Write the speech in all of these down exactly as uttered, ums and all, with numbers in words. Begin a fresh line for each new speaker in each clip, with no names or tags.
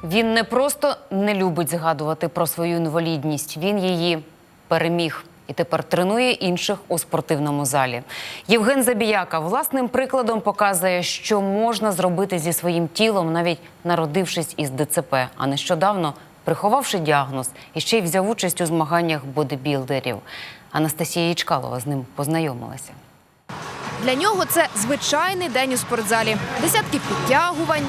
Він не просто не любить згадувати про свою інвалідність, він її переміг. І тепер тренує інших у спортивному залі. Євген Забіяка власним прикладом показує, що можна зробити зі своїм тілом, навіть народившись із ДЦП. А нещодавно, приховавши діагноз, і ще й взяв участь у змаганнях бодибілдерів. Анастасія Ячкалова з ним познайомилася.
Для нього це звичайний день у спортзалі. Десятки підтягувань,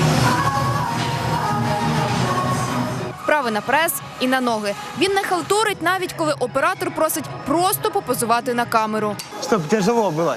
вправи на прес і на ноги. Він не халтурить, навіть коли оператор просить просто попозувати на камеру.
Щоб тяжело було.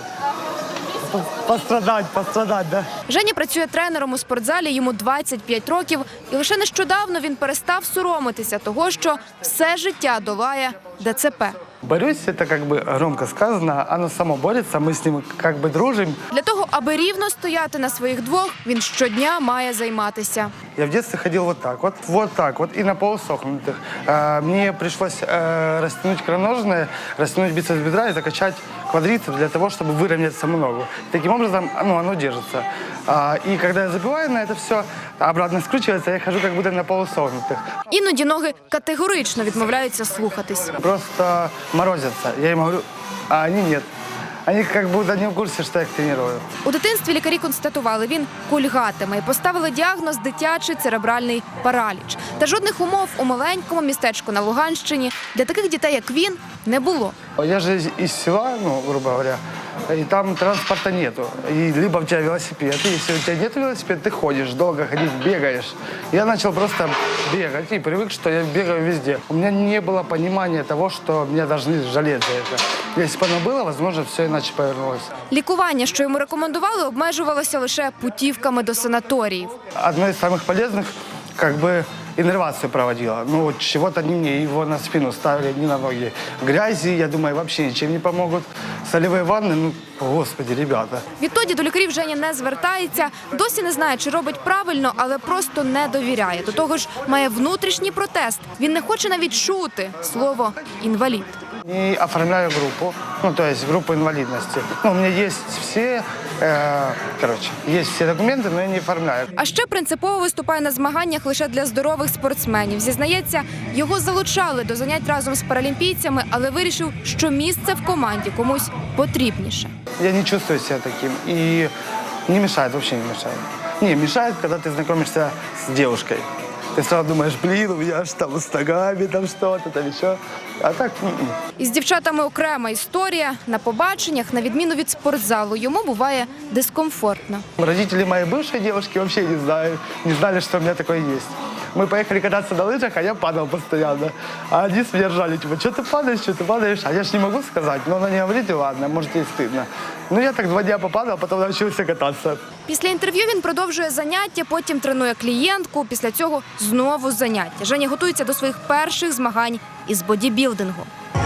Пострадати, пострадати, да?
Женя працює тренером у спортзалі, йому двадцять п'ять років. І лише нещодавно він перестав соромитися того, що все життя долає ДЦП.
Борюсь, это как бы громко сказано, оно само борется, мы с ним как бы дружим.
Для того, аби рівно стояти на своїх двох, він щодня має займатися.
Я в детстве ходил вот так вот, вот так вот, и на полусохнутых. А, Мне пришлось э, растянуть икроножные, растянуть бицепс бедра и закачать квадрицепс для того, чтобы выровнять саму ногу. Таким образом, ну, оно держится. А, И когда я забиваю на это все, обратно скручивается, я хожу как будто на полусогнутых.
Іноді ноги категорично відмовляються слухатись.
Просто морозятся. Я им говорю, а они нет. Они как будто не в курсе, что я их тренирую.
У дитинстві лікарі констатували, він кульгатиме і поставили діагноз дитячий церебральний параліч. Та жодних умов у маленькому містечку на Луганщині для таких дітей, як він, не було.
Я же из- из села, ну, грубо говоря, и там транспорта нету. И либо у тебя велосипед, и если у тебя нет велосипеда, ты ходишь, долго ходить, бегаешь. Я начал просто бегать и привык, что я бегаю везде. У меня не было понимания того, что меня должны жалеть за это. Если бы оно было, возможно, все иначе повернулось.
Лікування, що йому рекомендували, обмежувалося лише путівками до санаторіїв.
Одно из самых полезных, как бы, иннервацию проводила. Ну, вот чего-то не мне, его на спину ставили, не на ноги. В грязи, я думаю, вообще ничем не помогут. Солевые ванны, ну, господи, ребята.
Відтоді до лікарів Женя не звертається, досі не знає, чи робить правильно, але просто не довіряє. До того ж, має внутрішній протест. Він не хоче навіть чути слово «інвалід».
Не оформляю группу, ну, то есть группу инвалидности. Ну, у меня есть все, э, короче, есть все документы, но я не оформляю.
А ще принципово виступає на змаганнях лише для здорових спортсменів. Зізнається, його залучали до занять разом з паралімпійцями, але вирішив, що місце в команді комусь потрібніше.
Я не чувствую себя таким и не мешает, вообще не мешает. Не, мешает, когда ты знакомишься с девушкой. Ты сразу думаешь, блин, у меня ж там с ногами, там что-то, там еще. А так, м-м.
Із дівчатами окрема історія. На побаченнях, на відміну від спортзалу, йому буває дискомфортно.
Родители моей бывшей девушки вообще не знали, не знали, что у меня такое есть. Мы поехали кататься на лыжах, а я падал постоянно. А они с меня ржали, типа, что ты падаешь, что ты падаешь? А я ж не могу сказать. Но она не говорит, и ладно, может, ей стыдно. Ну, я так два дня попадал, потом научился кататься.
Після інтерв'ю він продовжує заняття, потім тренує клієнтку, після цього знову заняття. Женя готується до своїх перших змагань із бодібілдингу.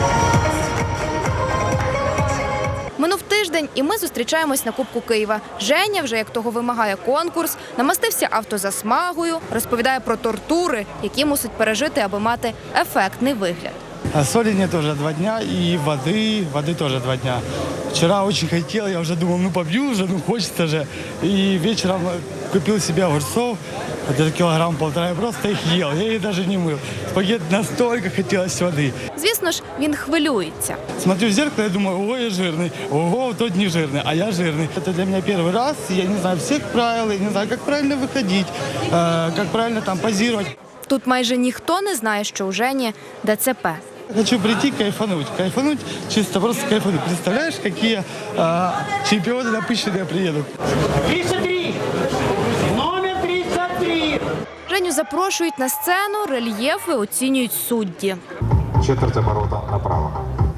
Минув тиждень, і ми зустрічаємось на Кубку Києва. Женя, вже як того вимагає конкурс, намастився автозасмагою, розповідає про тортури, які мусить пережити, аби мати ефектний вигляд.
А соли нет уже два дня, и воды, воды тоже два дня. Вчера очень хотел, я уже думал, ну побью уже, ну хочется же. И вечером купил себе огурцов, где-то килограмм полтора, я просто их ел, я их даже не мыл. Спагетти настолько хотелось воды.
Звісно ж, він хвилюється.
Смотрю в зеркало, я думаю, ого, я жирный, ого, тот не жирный, а я жирный. Это для меня первый раз, я не знаю всех правил, я не знаю, как правильно выходить, э, как правильно там позировать.
Тут майже ніхто не знає, що у Жені ДЦП.
Хочу прийти кайфануть, кайфануть, чисто просто кайфануть. Представляешь, какие э, чемпионы напыщенные приедут?
тридцать три. Номер тридцать три.
Женю запрошують на сцену, рельєфи оцінюють судді.
Четверть оборота направо.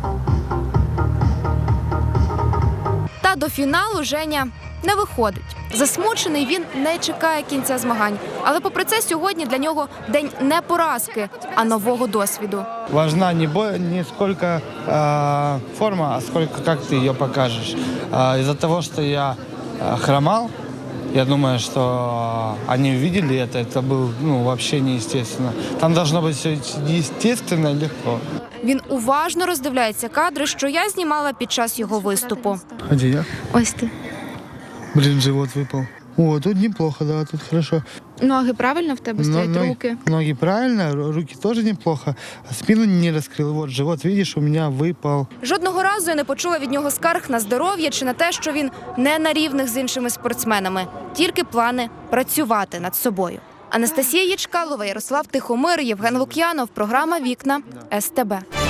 Та до фіналу Женя не виходить. Засмучений він не чекає кінця змагань. Але попри це сьогодні для нього день не поразки, а нового досвіду.
Важна не, бо, не сколько э, форма, а сколько как ты ее покажешь. Э, из-за того, что я э, хромал, я думаю, что они увидели это, это было ну, вообще неестественно. Там должно быть все естественно и легко.
Він уважно роздивляється кадри, що я знімала під час його виступу.
А где я?
Ось ти.
Блин, живот выпал. О, тут неплохо, да, тут хорошо.
Ноги правильно в тебе стоять,
ноги,
руки?
Ноги правильно, ру- руки тоже неплохо. Спину не раскрыл. Вот живот, видишь, у меня выпал.
Жодного разу я не почула від нього скарг на здоров'я чи на те, що він не на рівних з іншими спортсменами. Тільки плани працювати над собою. Анастасія Ячкалова, Ярослав Тихомир, Євген Лук'янов. Програма «Вікна» ес те бе.